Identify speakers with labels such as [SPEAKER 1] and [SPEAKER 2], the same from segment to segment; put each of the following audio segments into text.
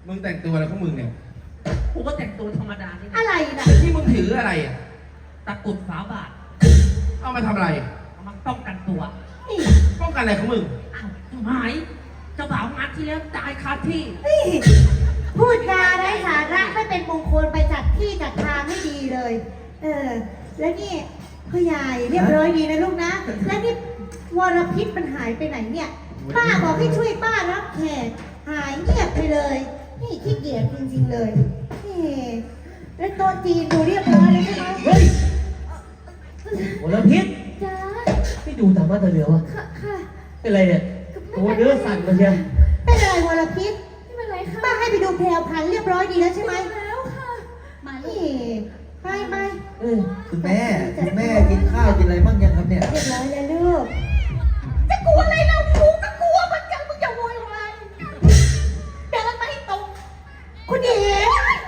[SPEAKER 1] มึงแต่งตัวอะไรของมึงเนี่ย
[SPEAKER 2] กูก็แต่งตัวธรรมดานี่
[SPEAKER 3] อะไรนะ
[SPEAKER 1] ที่มึงถืออะไรอ่ะ
[SPEAKER 2] ตะกรุดฝาบาท
[SPEAKER 1] เอามาทำอะไร
[SPEAKER 2] เอามาป้องกันตัว
[SPEAKER 3] นี่
[SPEAKER 1] ป้องกันอะไรของมึง
[SPEAKER 2] อ้าวหายเจ้าบ่าวงานที่แล้วตายคาที่
[SPEAKER 3] นี่พูดจาไร้สาระไม่เป็นมงคลไปจัดที่จัดทางไม่ดีเลย แล้วนี่พ่อใหญ่เรียบร้อยดีนะลูกนะ แล้วนี่วรพิษมันหายไปไหนเนี่ย ป้าบอกให้ช่วยป้ารับแขกหายเงียบไปเลย นี่ขี้เกียจจริงๆเลยนี่แล้วโต๊ะจีนดูเรียบร้อยเลยใช่ไหม
[SPEAKER 4] เฮ้ยโอลพิษ
[SPEAKER 3] จ้า
[SPEAKER 4] ไม่ดูตามมาตาเหลือวะ
[SPEAKER 3] ค่ะค่ะ
[SPEAKER 4] เป็นไรเนี่ยตัวเนื้อสั่นมาเชียว
[SPEAKER 3] เป็นอะไรวรพิษ
[SPEAKER 5] ไม่เป็นไรค่ะ
[SPEAKER 3] ป้าให้ไปดูแพรวพันธุ์เรียบร้อยดีแล้วใช่ไหม
[SPEAKER 5] แล้วค่ะ มาลู
[SPEAKER 3] นี่
[SPEAKER 5] ก
[SPEAKER 3] ไป
[SPEAKER 6] คุณแม่กินข้าวกินอะไรบ้างยังครับเนี่ย
[SPEAKER 3] เรียบร้อยแล้วลูก
[SPEAKER 5] จะกลัวอะไรเรากูก็กลัวเหมือนกันมึงอย่าโวยวายเดินมาให้ตรง
[SPEAKER 3] คุณหญิง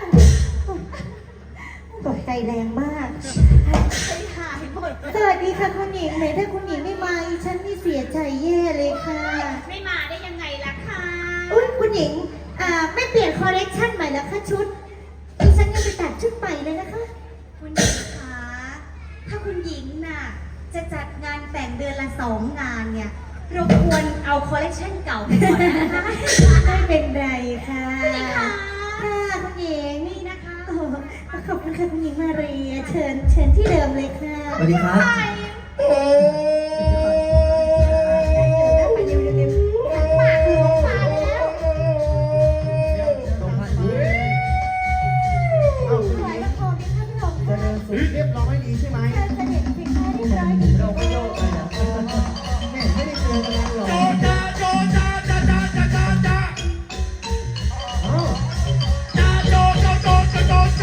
[SPEAKER 3] ตกใจแรงมาก
[SPEAKER 5] ใจหายหมด
[SPEAKER 3] สวัสดีค่ะคุณหญิงไหนถ้าคุณหญิงไม่มาอีฉันนี่เสียใจแย่เลยค่ะ
[SPEAKER 5] ไม่มาได้ยังไงล่ะคะ
[SPEAKER 3] อุ้ยคุณหญิงไม่เปลี่ยนคอลเลคชันใหม่แล้วค่ะชุดอีฉันยังไปตัดชุดใหม่เลยนะคะ
[SPEAKER 5] คุณหญิงคะถ้าคุณหญิงน่ะจะจัดงานแต่งเดือนละ2 งานเนี่ยรบกวนเอาคอลเลคชันเก่าไปก่อนนะคะ
[SPEAKER 3] ไม่เป็นไรค่ะ
[SPEAKER 5] คุณหญิงคะ
[SPEAKER 3] ค่ะคุณหญิง
[SPEAKER 5] นี่นะคะ
[SPEAKER 3] โอ้ขอบคุณค่ะคุณหญิงมาเรียเชิญที่เดิมเลยค่ะ
[SPEAKER 6] สวัสดีครับ
[SPEAKER 3] ไปเร็วๆปากหลวงปากแล้ว ถวายละครเป็นท่านรอง
[SPEAKER 6] เจริญสุขเรียบร้อยดีใช่ไหม
[SPEAKER 3] เชิญเสด็จเป็นข้าเรียบร้อยดี
[SPEAKER 6] เราก็โยกกันนะแม่ไม่ได้เจอกันนานหรอก
[SPEAKER 1] จ้าโจจ้าจ้าจ้าจ้าจ้าจ้า
[SPEAKER 6] อ้าว
[SPEAKER 1] จ้าโจโจโจโจโจโจ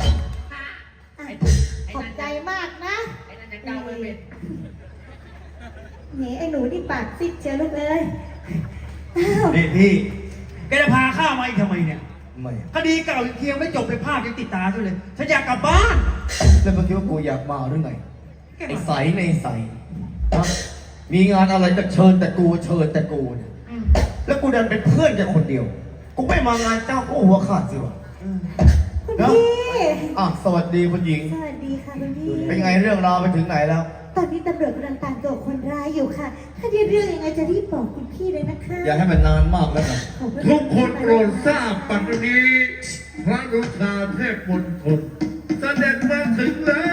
[SPEAKER 3] ขอบใจมากนะ
[SPEAKER 2] ไอ้นั่นยังเดาไม่เป็น
[SPEAKER 3] นี่ไอ้หนูที่ปากซิดเชียวลูกเอ้ยอ้าว
[SPEAKER 7] นี่พี่แกจะพาข้ามาอีกทำไมเนี่ย
[SPEAKER 6] ไม่
[SPEAKER 7] คดีเก่ายังเคลียร์ไม่จบเลยภาพยังติดตาด้วยเลยฉันอยากกลับบ้าน
[SPEAKER 6] แล้วเมื่อกี้ว่ากูอยากมาหรือไงไอ้ใสในใสฮะมีงานอะไรจะเชิญแต่กูเนี่ยแล้วกูดันเป็นเพื่อนแค่คนเดียว กูไม่มางานเจ้าก็หัวขาดสิวะ
[SPEAKER 3] คุณ
[SPEAKER 6] เนาะ
[SPEAKER 3] พี่
[SPEAKER 6] สวัสดีคุณหญิง
[SPEAKER 3] สวัสดีค่ะคุณพี่
[SPEAKER 6] เป็นไงเรื่องราวไปถึงไหนแล้ว
[SPEAKER 3] ตอนนี้ตำรวจกำลังตามตัวคนร้ายอยู่ค่ะ ถ้าได้เรื่องยังไงจะรีบบอกคุณพี่เลยนะคะ
[SPEAKER 6] อย่าให้มันนานมากแล้วกัน
[SPEAKER 3] ขอบณ
[SPEAKER 8] ทุกคนโปรดทราบปัจจุบันนี้พระรุชาเทพมณฑลเสด็จมาถึงแล้ว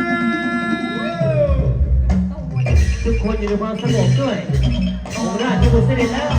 [SPEAKER 4] ทุกคนอยู่ในความสงบด้วยองค์ราชบุตรเสด็จแล้ว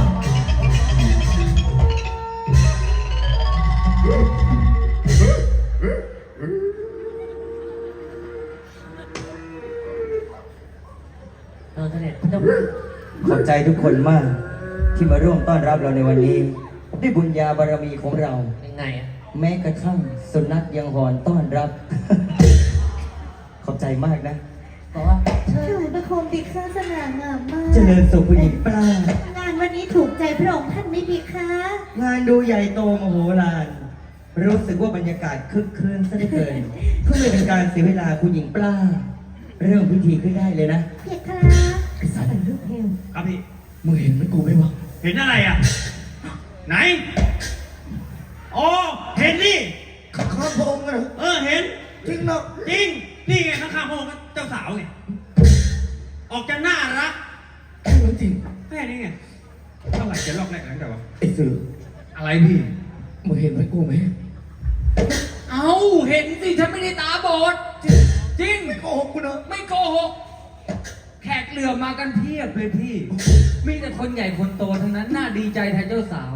[SPEAKER 4] เสด็จพระเจ้า
[SPEAKER 9] ขอบใจทุกคนมากที่มาร่วมต้อนรับเราในวันนี้ด้วยบุญญาบารมีของเรา
[SPEAKER 2] ยังไงอะ
[SPEAKER 9] แม้กระทั่งสุนัขยังหอนต้อนรับ ขอบใจมากนะ
[SPEAKER 2] บอกว่า
[SPEAKER 3] ถวายบังคมดีค่ะสง่างามมาก
[SPEAKER 9] เจริญสุขคุณหญิงปลาง
[SPEAKER 3] านวันนี้ถูกใจพระองค์ท่านไหมพี่คะ
[SPEAKER 9] งานดูใหญ่โตมโหฬารรู้สึกว่าบรรยากาศคึกคืนซะเหลือเกินเพื่อไม่เป็นการเสียเวลาคุณหญิงปลางเริ่มพิธีขึ้นได้เลยนะ
[SPEAKER 3] เพียครับใส่ลูกเฮล
[SPEAKER 7] ครับพี่
[SPEAKER 6] มึงเห็นไหมกูไหมวะ
[SPEAKER 7] เห็นอะไรอ่ะ ไหนอ๋อเห็นนี่
[SPEAKER 6] ข้าพระองค์นะ
[SPEAKER 7] เห็น
[SPEAKER 6] จริงเนาะ
[SPEAKER 7] จริงนี่ไงข้างๆพระองค์เจ้าสาวเนี่ยออกจะน่ารัก
[SPEAKER 6] จริง
[SPEAKER 7] แค่นี้ไงเท่าไหร่จะลอกแรกหลังแต่ว่า
[SPEAKER 6] ไอ้สื่อ
[SPEAKER 7] อะไรพี่
[SPEAKER 6] มึงเห็นไหมกูไหม
[SPEAKER 2] เอาเห็นสิฉันไม่ได้ตาบอดจริง
[SPEAKER 6] ไม่โกหกกูนะ
[SPEAKER 2] ไม่โกหกแขกเรือมากันเพียบเลยพี่ มีแต่คนใหญ่คนโตทั้งนั้นน่าดีใจแทนเจ้าสาว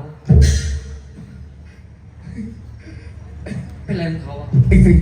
[SPEAKER 2] เป็นอะไรของเขาอะ
[SPEAKER 6] ไอ้สื่อ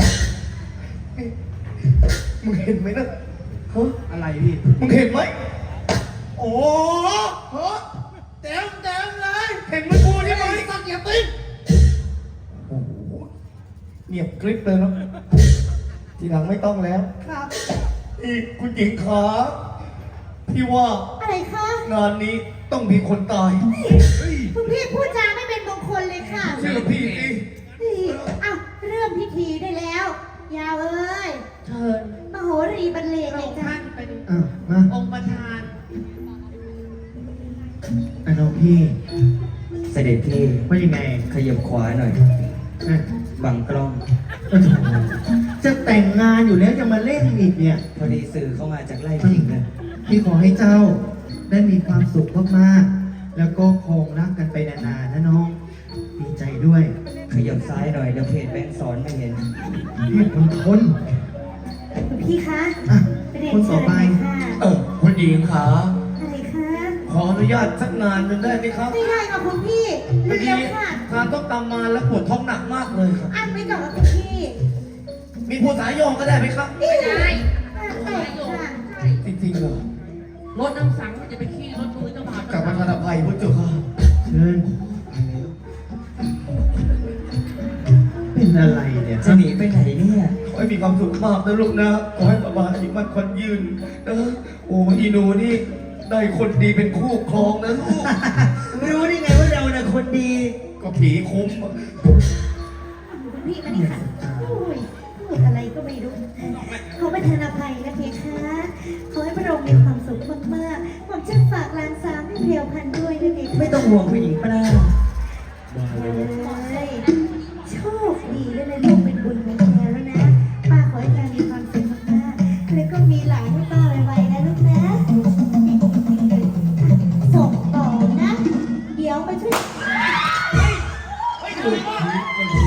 [SPEAKER 6] มึงเห็นไหมนะฮะ
[SPEAKER 7] อะไรพี่
[SPEAKER 6] มึงเห็นไหม
[SPEAKER 7] โอ้
[SPEAKER 6] ฮะเต็มเลยเห็นไหมกูใช่ไหมสักอย่าติ้งโอ้โหเงียบกริบเลยเนาะทีหลังไม่ต้องแล้ว
[SPEAKER 3] ครับ
[SPEAKER 6] นี่คุณหญิงขาพี่ว่า
[SPEAKER 3] อะไรคะ
[SPEAKER 6] งานนี้ต้องมีคนตาย
[SPEAKER 3] คุณพี่พูดจาไม่เป็นมงคลเลยค่ะ
[SPEAKER 6] เชื่อพี่ดิ
[SPEAKER 3] นี่อ้าวเริ่มพิธีได้แล้ว ยาวเอ้ย
[SPEAKER 2] เชิญ
[SPEAKER 3] มโหรีบรรเลงเลยจ้ะ
[SPEAKER 2] ท่านเป็น
[SPEAKER 6] มา
[SPEAKER 2] องค์ประธาน
[SPEAKER 6] ไอ้น้องพี่
[SPEAKER 9] เสด็จพี่
[SPEAKER 6] พระ
[SPEAKER 8] ยังไง
[SPEAKER 9] ขยับขวาหน่อย
[SPEAKER 8] อ่ะ
[SPEAKER 9] บังกล้อง
[SPEAKER 8] โอ้โหจะแต่งงานอยู่แล้วจะมาเล่นอีกเนี่ย
[SPEAKER 9] พอดีสื่อเข้ามาจากไล่พิงเลย
[SPEAKER 8] พี่ขอให้เจ้าได้มีความสุขมากๆ แล้วก็คงรักกันไปนานๆนะน้อง ดีใจด้วย
[SPEAKER 9] ขยับซ้ายหน่อยเดี๋ยวเพจแบงค์สอนไม่เห็น
[SPEAKER 8] เรียกคนทน
[SPEAKER 3] คุณพี่คะ
[SPEAKER 8] อ่ะ
[SPEAKER 3] เรียน
[SPEAKER 8] คนต่
[SPEAKER 3] เชิ
[SPEAKER 8] อ
[SPEAKER 3] ญ
[SPEAKER 8] ไป
[SPEAKER 3] ค่ะ
[SPEAKER 6] คุณหญิงขา
[SPEAKER 3] อะไรคะ
[SPEAKER 6] ขออนุญาตสักงานหนึ่งได้ไหมครับ
[SPEAKER 3] ไม่ได้ค่ะคุณพี่
[SPEAKER 6] พอดี
[SPEAKER 3] เร็วๆค่ะ
[SPEAKER 6] ทานต้องตามมาแล้วปวดท้องหนักมากเลยครับ
[SPEAKER 3] อันไปก่อนค่ะคุณพี่
[SPEAKER 6] มีผู้สายโยงก็ได้ไหมครับ
[SPEAKER 3] ไม่ได้ค่ะ
[SPEAKER 6] จริงๆเหรอ
[SPEAKER 2] รถน้ำสังมันจะไปขี้รถมือเจ้าบ่าว
[SPEAKER 6] กลับมาทานอภัยพุทธเจ้าค่ะ
[SPEAKER 8] เชิญ เป็นอะไรเนี่ย
[SPEAKER 9] จะหนีไปไหนเนี่ย
[SPEAKER 6] ขอให้มีความสุขมากนะลูกนะ ขอให้สบายอีกมันควันยืนนะโอ้อีหนูนี่ได้คนดีเป็นคู่ครองนะลูก
[SPEAKER 9] รู้ได้ไงว่าเราน่ะคนดี
[SPEAKER 6] ก็ผีคุ้ม
[SPEAKER 3] คุณพี่มานี่ค่ะโอ้ยพูดอะไรก็ไม่รู้ขอประทานอภัยนะเพคะ ขอให้พระองค์มีความสุขมากๆผมจะฝากหลานสาวให้เรียวพันด้วยนะเพคะ
[SPEAKER 9] ไม่ต้องห่วงผู้หญิงปลา
[SPEAKER 3] เลยโชคดีแล้วนะลูกเป็นบุญของแกแล้วนะ ป้าขอให้แกมีความสุขมากๆแล้วก็มีหลานให้ป้าไวๆนะลูกนะ ส่งต่อนะ เดี๋ยวไปช่วย
[SPEAKER 1] เฮ้ยทำไมวะ